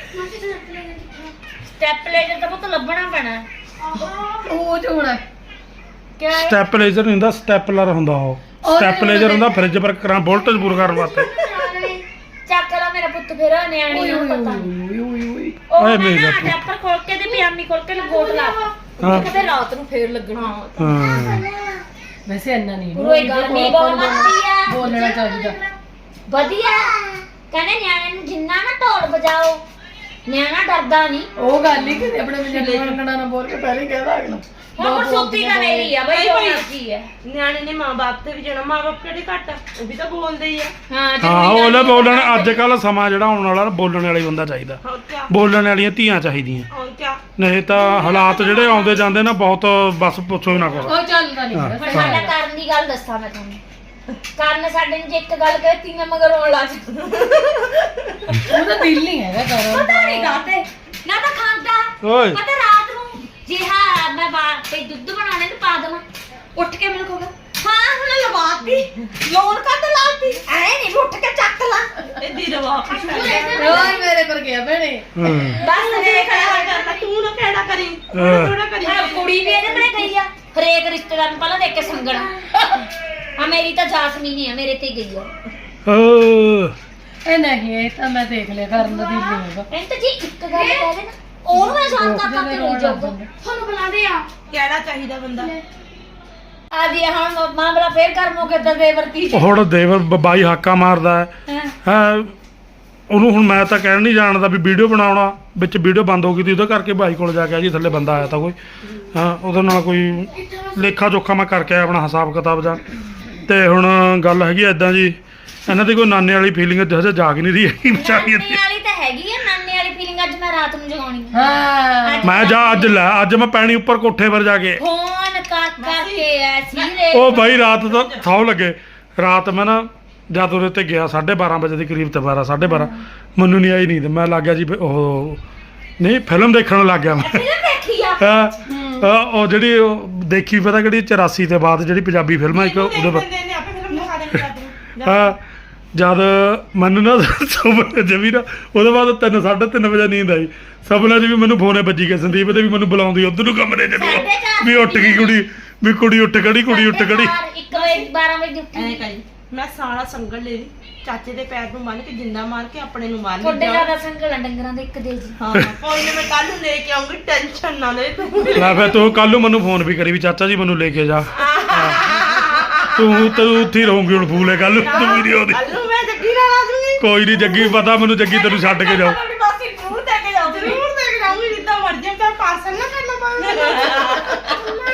ਸਟੈਪ ਲੈਜਰ ਤਾਂ ਪੁੱਤ ਲੱਭਣਾ ਪੈਣਾ ਉਹ ਜੋ ਹੋਣਾ ਕਿਆ ਹੈ ਸਟੈਪਲਾਈਜ਼ਰ ਨਹੀਂ ਹੁੰਦਾ ਸਟੈਪਲਰ ਹੁੰਦਾ ਉਹ ਸਟੈਪਲਾਈਜ਼ਰ ਹੁੰਦਾ ਫ੍ਰਿਜ ਪਰ ਕਰਾਂ ਵੋਲਟੇਜ ਪੂਰਾ ਕਰਨ ਵਾਸਤੇ ਚੱਕ ਲਾ ਮੇਰਾ ਪੁੱਤ ਫਿਰ ਨਿਆਣੀ ਓਏ ਨੂੰ ਓਏ ਪਤਾ ਓਏ ਓਏ ਓਏ ਉਹ ਓਏ ਮੈਂ ਮੇਰਾ ਨਾ ਪੁੱਤ। ਡੈਪਰ ਖੋਲ ਕੇ ਤੇ ਪਿਆਮੀ ਖੋਲ ਕੇ ਲਗੋਟ ਲਾ ਹਾਂ। ਕਿਤੇ ਰਾਤ ਨੂੰ ਫੇਰ ਲੱਗਣਾ ਹਾਂ ਵੈਸੇ ਇੰਨਾ ਨਹੀਂ ਕੋਈ ਗੱਲ ਨਹੀਂ ਬਹੁਤ ਵਧੀਆ ਬੋਲਣਾ ਚਾਹੀਦਾ ਵਧੀਆ ਕਹਿੰਦੇ ਨਿਆਣੇ ਨੂੰ ਜਿੰਨਾ ਨਾ ਢੋਲ ਵਜਾਓ ਨਿਆਣਾ ਡਰਦਾ ਨਹੀਂ ਉਹ ਗੱਲ ਹੀ ਕਿ ਆਪਣੇ ਵਿਜੇ ਮੰਗਣਾ ਨਾ ਬੋਲ ਕੇ ਪਹਿਲੇ ਹੀ ਕਹਿਦਾ ਅਗਲਾ ਹੁਣ ਸੁੱਤੀ ਤਾਂ ਮੇਰੀ ਆ ਬਈ ਭਾਈ। ਉਹ ਕੀ ਹੈ ਨਿਆਣੇ ਨੇ ਮਾਂ-ਬਾਪ ਤੇ ਵੀ ਜਾਣਾ ਮਾਂ-ਬਾਪ ਕਿਹੜੇ ਘੱਟ ਆ ਉਹ ਵੀ ਤਾਂ ਬੋਲਦੇ ਹੀ ਆ ਹਾਂ ਹਾਂ ਉਹਲੇ ਬੋਲਣ ਅੱਜ ਕੱਲ ਸਮਾਂ ਜਿਹੜਾ ਆਉਣ ਵਾਲਾ ਨਾ ਬੋਲਣ ਵਾਲਾ ਹੀ ਬੰਦਾ ਚਾਹੀਦਾ ਹੋਰ ਕਿਆ ਬੋਲਣ ਵਾਲੀਆਂ ਧੀਆਂ ਚਾਹੀਦੀਆਂ ਹੋਰ ਕਿਆ ਨਹੀਂ ਤਾਂ ਹਾਲਾਤ ਜਿਹੜੇ ਆਉਂਦੇ ਜਾਂਦੇ ਨਾ ਬਹੁਤ ਬਸ ਪੁੱਛੋ ਹੀ ਨਾ ਕਰੋ ਉਹ ਚੱਲਦਾ ਨਹੀਂ ਹਾਂ। ਹੈਗਾ। ਪਰ ਸਾਡਾ ਕਰਨ ਦੀ ਗੱਲ ਦੱਸਾਂ ਮੈਂ ਤੁਹਾਨੂੰ ਕਰਨ ਸਾਡੇ ਨੂੰ ਜੇ ਇੱਕ ਗੱਲ ਕਹਤੀ ਮੈਂ ਮਗਰ ਰੋਣ ਲੱਗ ਜਾਂਦੀ। ਉਹਦਾ ਦਿਲ ਨਹੀਂ ਹੈਗਾ ਕਰਨ ਪਤਾ ਨਹੀਂ ਕਾਤੇ ਨਾ ਤਾਂ ਖਾਂਦਾ ਓਏ ਪਤਾ ਰਾਤ ਨੂੰ ਜੀ ਹਾਂ ਮੈਂ ਬਾਹਰ ਤੇ ਦੁੱਧ ਬਣਾਉਣੇ ਨੂੰ ਪਾ ਦੇਵਾਂ ਉੱਠ ਕੇ ਮੈਨੂੰ ਕਹੂਗਾ ਹਾਂ ਹੁਣ ਲਵਾਤੀ ਲੋਨ ਕੱਢ ਲਾਤੀ ਐ ਨਹੀਂ ਉੱਠ ਕੇ ਚੱਕ ਲਾ ਇਹਦੀ ਰਵਾ ਓਏ ਮੇਰੇ ਪਰ ਗਿਆ ਭੈਣੇ ਹਾਂ ਬਸ ਦੇਖ ਕਿਹੜਾ ਕਰਨਾ ਤੂੰ ਨਾ ਕਿਹੜਾ ਕਰੀ ਹਾਂ। ਥੋੜਾ ਕਰੀ ਹਾਂ, ਕੁੜੀ ਵੀ ਇਹਦੇ ਬੜੇ ਗਈ ਆ ਹਰੇਕ ਰਿਸ਼ਤੇਦਾਰ ਨੂੰ ਪਹਿਲਾਂ ਦੇਖ ਕੇ ਸੰਗਣਾ ਆ ਮੇਰੀ ਤਾਂ ਜਾਸਮੀਨ ਹੀ ਆ ਮੇਰੇ ਤੇ ਗਈ ਆ ਓ ਇਹ ਨਹੀਂ ਇਹ ਤਾਂ ਮੈਂ ਦੇਖ ਲਿਆ ਕਰਨ ਦਾ ਦਿਲ ਨਹੀਂ ਹੈਗਾ ਇਹਨੂੰ ਤਾਂ ਜੀ ਇੱਕ ਗੱਲ ਕਹਿ ਦੇ ਨਾ ਉਹਨੂੰ ਮੈਂ ਸ਼ਾਂਤ ਕਰ ਕਰਕੇ ਰੋਈ ਜਾਊਗਾ ਤੁਹਾਨੂੰ ਬੁਲਾਦੇ ਆ ਕਿਹੜਾ ਚਾਹੀਦਾ ਬੰਦਾ ਆ ਜੀ ਹੁਣ ਮਾਮਲਾ ਫੇਰ ਕਰ ਮੋਕੇ ਤੇ ਦੇ ਵਰਤੀ ਹੁਣ ਦੇਵਰ ਬ- ਬਾਈ ਹਾਕਾ ਮਾਰਦਾ ਹੈ ਹਾਂ ਹਾਂ ਉਹਨੂੰ ਹੁਣ ਮੈਂ ਤਾਂ ਕਹਿਣ ਨਹੀਂ ਜਾਣਦਾ ਵੀ ਵੀਡੀਓ ਬਣਾਉਣਾ ਵਿੱਚ ਵੀਡੀਓ ਬੰਦ ਹੋ ਗਈ ਤੀ ਉਹਦੇ ਕਰਕੇ ਬਾਈ ਕੋਲ ਜਾ ਕੇ ਆ ਜੀ ਥੱਲੇ ਬੰਦਾ ਆਇਆ ਤਾਂ ਕੋਈ ਹਾਂ ਉਹਦੇ ਨਾਲ ਕੋਈ ਲੇਖਾ ਜੋਖਾ ਮੈਂ ਕਰਕੇ ਆਇਆ ਆਪਣਾ ਹਿਸਾਬ ਕਿਤਾਬ ਦਾ ਤੇ ਹੁਣ ਗੱਲ ਹੈਗੀ ਐਦਾਂ ਜੀ ਇਹਨਾਂ ਦੀ ਕੋਈ ਨਾਨੇ ਵਾਲੀ ਫੀਲਿੰਗ ਹਜੇ ਜਾਗ ਨਹੀਂ ਰਹੀ ਹੈਗੀ ਵਿਚਾਰੀ ਨਾਨੇ ਦੀ। ਵਾਲੀ ਤਾਂ ਹੈਗੀ ਆ ਨਾਨੇ ਵਾਲੀ ਫੀਲਿੰਗ ਅੱਜ ਮੈਂ ਰਾਤ ਨੂੰ ਜਗਾਉਣੀ ਆ ਹਾਂ ਮੈਂ ਜਾ ਅੱਜ ਲੈ ਅੱਜ ਮੈਂ ਪੈਣੀ ਉੱਪਰ ਕੋਠੇ ਪਰ ਜਾ ਕੇ ਫੋਨ ਕਰ ਕਰਕੇ ਐਸੀ ਰੇ ਉਹ ਬਾਈ ਰਾਤ ਦਾ ਥਾਉ ਲੱਗੇ ਰਾਤ ਮੈਂ ਨਾ ਜਦ ਉਹਦੇ ਤੇ ਗਿਆ ਸਾਢੇ ਬਾਰਾਂ ਵਜੇ ਦੇ ਕਰੀਬ ਤੇ ਬਾਰਾਂ ਸਾਢੇ ਬਾਰਾਂ ਮੈਨੂੰ ਨਹੀਂ ਆਈ ਨੀਂਦ ਮੈਂ ਲੱਗ ਗਿਆ ਜੀ ਵੀ ਉਹ ਨਹੀਂ ਫਿਲਮ ਦੇਖਣ ਲੱਗ ਗਿਆ ਮੈਂ ਫਿਲਮ ਦੇਖੀ ਆ ਹਾਂ, ਅਹ ਉਹ ਜਿਹੜੀ ਉਹ ਦੇਖੀ ਪਤਾ ਕਿਹੜੀ ਚੁਰਾਸੀ ਤੇ ਬਾਅਦ ਜਿਹੜੀ ਪੰਜਾਬੀ ਫਿਲਮ ਆ ਇੱਕ ਉਹਦੇ ਬਾਅਦ ਨੇ ਆਪੇ ਫਿਲਮ ਦਿਖਾ ਦੇਣੀ ਕਰਦੇ ਹਾਂ ਜਦ ਮੈਨੂੰ ਨਾ ਸੁਪਨੇ ਜਮੀ ਨਾ ਉਹਦੇ ਬਾਅਦ ਤਿੰਨ ਸਾਢੇ ਤਿੰਨ ਵਜੇ ਨੀਂਦ ਆਈ ਸੁਪਨੇ 'ਚ ਵੀ ਮੈਨੂੰ ਫੋਨੇ ਵੱਜੀ ਗਿਆ ਸੰਦੀਪ ਦੇ ਵੀ ਮੈਨੂੰ ਬੁਲਾਉਂਦੀ ਉਧਰ ਨੂੰ ਕਮਰੇ 'ਚ ਨੂੰ ਸਾਢੇ ਚਾਰ ਵੀ ਉੱਠ ਗਈ ਕੁੜੀ ਵੀ ਕੁੜੀ ਉੱਠ ਖੜੀ ਕੁੜੀ ਉੱਠ ਖੜੀ ਇੱਕ ਵਜੇ ਬਾਰਾਂ ਵਜੇ ਉੱਠੀ ਐ ਕਰੀ ਮੈਂ ਸਾਰਾ ਸੰਗਲ ਲੈ ਲਈ ਚਾਚੇ ਦੇ ਪੈਰ ਨੂੰ ਬੰਨ ਕੇ ਜਿੰਦਾ ਮਾਰ ਕੇ ਆਪਣੇ ਨੂੰ ਮਾਰ ਤੁਹਾਡੇ ਲਈ ਜ਼ਿਆਦਾ ਸੰਗਲ ਡੰਗਰਾਂ ਦੇ ਇੱਕ ਦੇ ਜੀ ਹਾਂ ਕੋਈ ਨਾ ਮੈਂ ਕੱਲ ਨੂੰ ਲੈ ਕੇ ਆਉਂਗੀ ਟੈਨਸ਼ਨ ਨਾ ਲੈ ਤੂੰ ਲੈ ਫਿਰ ਤੂੰ ਕੱਲ ਨੂੰ ਮੈਨੂੰ ਫੋਨ ਵੀ ਕਰੀ ਵੀ ਚਾਚਾ ਜੀ ਮੈਨੂੰ ਲੈ ਕੇ ਜਾ ਤੂੰ ਤੂੰ ਉੱਥੇ ਹੀ ਰਹੂੰਗੀ ਹੁਣ ਫੂਲੇ ਕੱਲ ਨੂੰ ਤੂੰ ਵੀਡੀਓ ਦੀ ਕੱਲ ਨੂੰ ਮੈਂ ਜੱਗੀ ਨਾਲ ਆ ਜੂਗੀ ਕੋਈ ਨਹੀਂ ਜੱਗੀ ਪਤਾ ਮੈਨੂੰ ਜੱਗੀ ਤੈਨੂੰ ਛੱਡ ਕੇ ਜਾਓ ਆਪਣੀ ਮਾਸੀ ਜ਼ਰੂਰ ਦੇ ਕੇ ਜਾਊਗੀ ਜ਼ਰੂਰ ਦੇਖ ਜਾਊਂਗੀ ਜਿੱਦਾਂ ਮਰਜ਼ੀ ਤਾਂ ਪਾਰਸਲ ਨਾ ਕਰਨਾ ਪਵੇ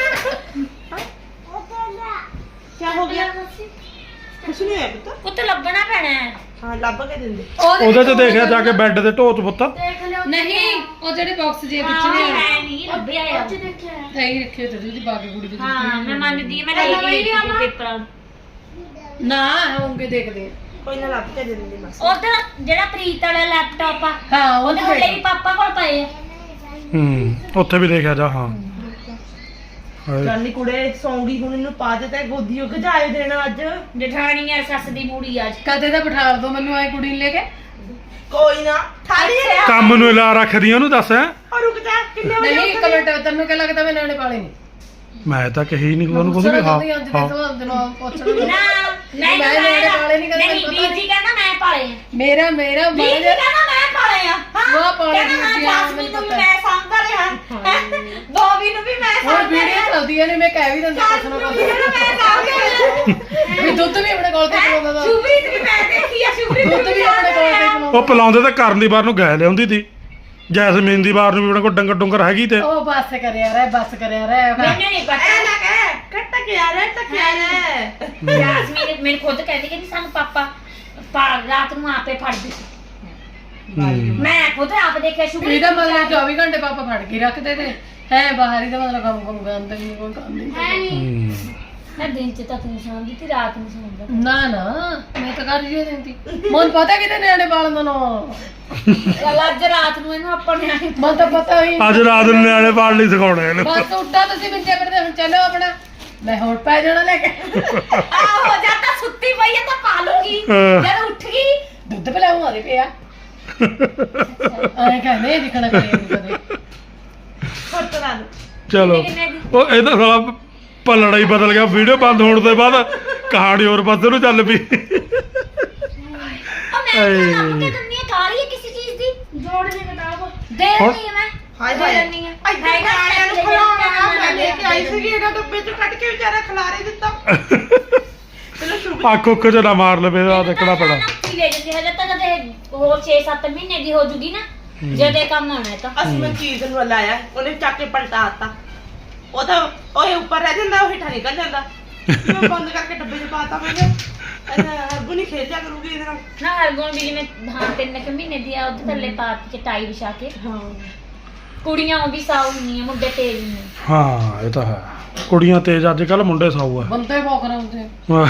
ਕੀ ਹੋ ਗਿਆ ਕੁਛ ਨਹੀਂ ਹੈ ਪੁੱਤ ਪੁੱਤ ਲੱਭਣਾ ਪੈਣਾ ਹੈ ਹਾਂ ਲੱਭ ਕੇ ਦਿੰਦੇ ਉਹਦੇ ਤੇ ਦੇਖਿਆ ਜਾ ਕੇ ਬੈੱਡ ਤੇ ਢੋਤ ਪੁੱਤ ਦੇਖ ਲਿਓ ਨਹੀਂ ਉਹ ਜਿਹੜੇ ਬਾਕਸ ਜੇ ਵਿੱਚ ਹਾਂ ਨੇ ਮੈਂ ਨਹੀਂ ਲੱਭਿਆ ਯਾਰ ਥਾਈ ਰੱਖੇ ਤੇ ਜੀ ਬਾਕੀ ਕੁੜੀ ਦੇ ਹਾਂ ਮੈਂ ਮੰਨਦੀ ਹਾਂ, ਮੈਂ ਲੈ ਕੇ ਗਈ ਪੇਪਰਾਂ ਨਾ ਹੋਣਗੇ ਦੇਖਦੇ ਆ। ਕੋਈ ਨਾ ਲੱਭ ਕੇ ਦੇ ਦਿੰਦੇ ਬਸ ਉਧਰ ਜਿਹੜਾ ਪ੍ਰੀਤ ਵਾਲਾ ਲੈਪਟਾਪ ਆ ਹਾਂ ਉਹਦੇ ਉਹਦੇ ਹੱਲੇ ਵੀ ਪਾਪਾ ਕੋਲ ਪਏ ਆ ਹੂੰ ਉੱਥੇ ਵੀ ਦੇਖਿਆ ਜਾ ਹਾਂ ਹਾਏ। ਜਾਨੀ ਕੁੜੇ ਸੌਂਗੀ ਹੁਣ ਇਹਨੂੰ ਪਾ ਦੇ ਤੇ ਗੋਦੀ ਉਹ ਗਜਾਏ ਦੇਣਾ ਅੱਜ ਜਠਾਣੀ ਆ ਸੱਸ ਦੀ ਮੂੜੀ ਅੱਜ ਕਦੇ ਤਾਂ ਬਿਠਾ ਦੋ ਮੈਨੂੰ ਐ ਕੁੜੀ ਨੂੰ ਲੈ ਕੇ ਕੋਈ ਨਾ ਥਾਲੀ ਆ ਕੰਮ ਨੂੰ ਲਾ ਰੱਖਦੀ ਉਹਨੂੰ ਦੱਸ ਹੈਂ? ਔਰ ਰੁਕ ਜਾ ਕਿੰਨੇ ਵਜੇ ਨਹੀਂ ਇੱਕ ਮਿੰਟ ਤੈਨੂੰ ਕੀ ਲੱਗਦਾ ਮੈਂ ਨਿਆਣੇ ਪਾਲੇ ਨਹੀਂ ਮੈਂ ਤਾਂ ਕਹੀ ਨਹੀਂ ਉਹਨੂੰ ਕੁਝ ਵੀ ਹਾਂ ਹਾਂ ਨਾ ਮੈਂ ਮੈਂ ਨਿਆਣੇ ਪਾਲੇ ਨਹੀਂ ਕਦੇ ਨਹੀਂ ਮੈਨੂੰ ਵੀਰ ਪਤਾ ਜੀ ਕਹਿੰਦਾ ਮੈਂ ਪਾਲੇ ਆ ਮੇਰਾ ਮੇਰਾ ਵੀਰ ਜੀ ਬੜਾ ਕਹਿੰਦਾ ਮੈਂ ਪਾਲੇ ਆ ਹਾਂ ਉਹ ਪਾਲੇ ਕਹਿੰਦਾ ਮੈਂ ਵੀਰ ਜੀ ਆ, ਜਾਸਮੀਨ ਨੂੰ ਵੀ ਮੈਨੂੰ ਮੈਂ ਸਾਂਭਦਾ ਰਿਹਾ ਬੋਬੀ ਨੂੰ ਵੀ ਮੈਂ ਹੁਣ ਸਾਂਭਦਾ ਵੀਡੀਓ ਰਿਹਾ ਚੱਲਦੀਆਂ ਨੇ ਮੈਂ ਕਹਿ ਵੀ ਦਿੰਦਾ ਕੁਛ ਨਾ ਜਾਸਮੀਨ ਨੂੰ ਵੀ ਕੁਛ ਮੈਂ ਸਾਂਭਦਾ ਵੀ ਦੁੱਧ ਵੀ ਆਪਣੇ ਕੋਲ ਤੇ ਚਲਾਉਂਦਾ ਦਾ ਸ਼ੁਭਰੀਤ ਵੀ ਮੈਂ ਦੇਖੀ ਆ ਸ਼ੁਭਰੀਤ ਦੁੱਧ ਵੀ ਆਪਣੇ ਕੋਲ ਤੇ ਚਲਾਉਂਦਾ ਉਹ ਪਲਾਉਂਦੇ ਤਾਂ ਕਰਨ ਦੀ ਵਾਰ ਨੂੰ ਗਏ ਲਿਆਉਂਦੀ ਤੀ ਜੈਸਮੀਨ ਦੀ ਵਾਰ ਨੂੰ ਵੀ ਉਹਨਾਂ ਕੋਲ ਡੰਗਰ ਡੁੰਗਰ ਹੈਗੀ ਤੇ ਉਹ ਬੱਸ ਕਰਿਆ ਰਹਿ ਬੱਸ ਕਰਿਆ ਰਹਿ ਮੈਨੂੰ ਨਹੀਂ ਪਤਾ ਐ ਨਾ ਕਹਿ ਕੱਟ ਕੇ ਆ ਰਿਹਾ ਟਕਿਆ ਰੇ ਜਾਸਮੀਨ ਮੈਨੂੰ ਖੁਦ ਕਹਿੰਦੀ ਕਿ ਸਾਨੂੰ ਪਾਪਾ ਪਾ- ਰਾਤ ਨੂੰ ਆਪੇ ਫੜਦੇ ਸੀ ਹੂੰ। ਮੈਂ ਖੁਦ ਆਪ ਦੇਖਿਆ ਸ਼ੁਭਰੀਤ ਇਹਦਾ ਮਤਲਬ ਚੌਵੀ ਘੰਟੇ ਪਾਪਾ ਫੜ ਕੇ ਰੱਖਦੇ ਤੇ ਹੈ ਬਾਹਰ ਹੀ ਦਾ ਮਤਲਬ ਕੰਮ ਕੰਮ ਕਰਦੇ ਨਹੀਂ ਕੋਈ ਕੰਮ ਨਹੀਂ ਹੂੰ। ਮੈਂ ਦਿਨ ਚ ਤਾਂ ਤੂੰ ਸੌਂਦੀ ਤੇ ਰਾਤ ਨੂੰ ਸੌਂਦਾ ਨਾ ਨਾ ਮੈਂ ਤਾਂ ਕਰ ਰਹੀ ਦਿੰਦੀ ਮਨ ਪਤਾ ਕਿਤੇ ਨਿਆਣੇ ਪਾਲਣ ਦਾ ਨਾ ਚੱਲ ਅੱਜ ਰਾਤ ਨੂੰ ਇਹਨੂੰ ਆਪਾਂ ਨਿਆਣੇ ਮਨ ਤਾਂ ਪਤਾ ਹੀ ਅੱਜ ਰਾਤ ਨੂੰ ਨਿਆਣੇ ਪਾਲ ਨਹੀਂ ਸਿਖਾਉਣੇ ਇਹਨੂੰ ਬਸ ਉੱਠਾ ਤੁਸੀਂ ਮੰਜੇ ਪਰ ਤੇ ਹੁਣ ਚੱਲੋ ਆਪਣਾ ਮੈਂ ਹੁਣ ਪੈ ਜਾਣਾ ਲੈ ਕੇ ਆਹੋ ਜਦ ਤਾਂ ਸੁੱਤੀ ਪਈ ਹੈ ਤਾਂ ਪਾ ਲੂੰਗੀ ਹਾਂ। ਜਦ ਉੱਠ ਗਈ ਦੁੱਧ ਪਿਲਾਉਂ ਆਦੇ ਪਿਆ ਐਂ ਕਹਿੰਦੇ ਦਿਖਣਾ ਕਰੇ ਕਦੇ ਫਟ ਲਾ ਦੇ ਚਲੋ ਕਿੰਨੇ ਦੀ? ਉਹ ਇਹਦਾ ਸਾਲਾ ਪਲੜਾ ਹੀ ਬਦਲ ਗਿਆ ਵੀਡੀਓ ਬੰਦ ਹੋਣ ਤੋਂ ਬਾਅਦ ਕਹਾਣੀ ਹੋਰ ਪਾਸੇ ਨੂੰ ਚੱਲ ਪਈ ਉਹ ਮੈਂ ਤਾਂ ਲੱਭ ਕੇ ਦਿੰਦੀ ਆ ਕਾਲੀ ਹੈ ਕਿਸੇ ਚੀਜ਼ ਦੀ ਜੋੜ ਦੇ ਕਿਤਾਬ ਦੇ ਹੁਣ? ਦਿੰਦੀ ਆ ਮੈਂ ਹਾਏ ਦੇ ਹਾਏ ਦਿੰਦੀ ਆ ਇੱਧਰ ਹੈਗਾ ਆਇਆ ਨੂੰ ਲੈ ਖਲਾਉਣਾ ਮੈਂ ਲੈ ਕੇ ਆਈ ਜਾ। ਸੀਗੀ ਇਹਦਾ ਡੱਬੇ ਚ ਕੱਢ ਕੇ ਵਿਚਾਰਾ ਖਲਾਰੇ ਦਿੱਤਾ ਚਲੋ ਸ਼ੁਭ ਅੱਖ ਉੱਖ ਚ ਨਾ ਮਾਰ ਲਵੇ ਆ ਦੇਖਣਾ ਪੈਣਾ ਕੀ ਲੈ ਜਾਂਦੀ ਹਜੇ ਤਾਂ ਕਦੇ ਹੋਰ ਛੇ ਸੱਤ ਮਹੀਨੇ ਦੀ ਹੋ ਜੂਗੀ ਨਾ ਜਦੇ ਕੰਮ ਆਉਣਾ ਹੈ ਤਾਂ ਅਸੀਂ ਮੈਂ ਚੀਜ਼ ਨੂੰ ਲਾਇਆ ਉਹਨੇ ਚੱਕ ਕੇ ਪਲਟਾ ਦਿੱਤਾ ਉਹ ਤਾਂ ਉਹ ਉੱਪਰ ਰਹਿ ਜਾਂਦਾ ਉਹ ਹੇਠਾਂ ਨਿਕਲ ਜਾਂਦਾ ਮੈਂ ਬੰਦ ਕਰਕੇ ਡੱਬੇ 'ਚ ਪਾਤਾ ਮੈਨੇ ਅਰਗੂ ਨਹੀਂ ਖੇਡਿਆ ਕਰੂਗੀ ਇਹਦੇ ਨਾਲ ਨਾ ਹਰਗੁਣ ਵੀ ਜਿਵੇਂ ਹਾਂ ਤਿੰਨ ਕੁ ਮਹੀਨੇ ਦੀ ਆ ਉਹਦੇ ਥੱਲੇ ਪਾਤੀ ਚਟਾਈ ਵਿਛਾ ਕੇ ਹਾਂ ਕੁੜੀਆਂ ਉਹ ਵੀ ਸਾਊ ਨਹੀਂ ਆ ਮੁੰਡੇ ਤੇਜ਼ ਨੇ ਹਾਂ ਇਹ ਤਾਂ ਹੈ ਕੁੜੀਆਂ ਤੇਜ਼ ਅੱਜ ਕੱਲ ਮੁੰਡੇ ਸਾਊ ਆ ਬੰਦੇ ਬਹੁਤ ਕਰਾਉਂਦੇ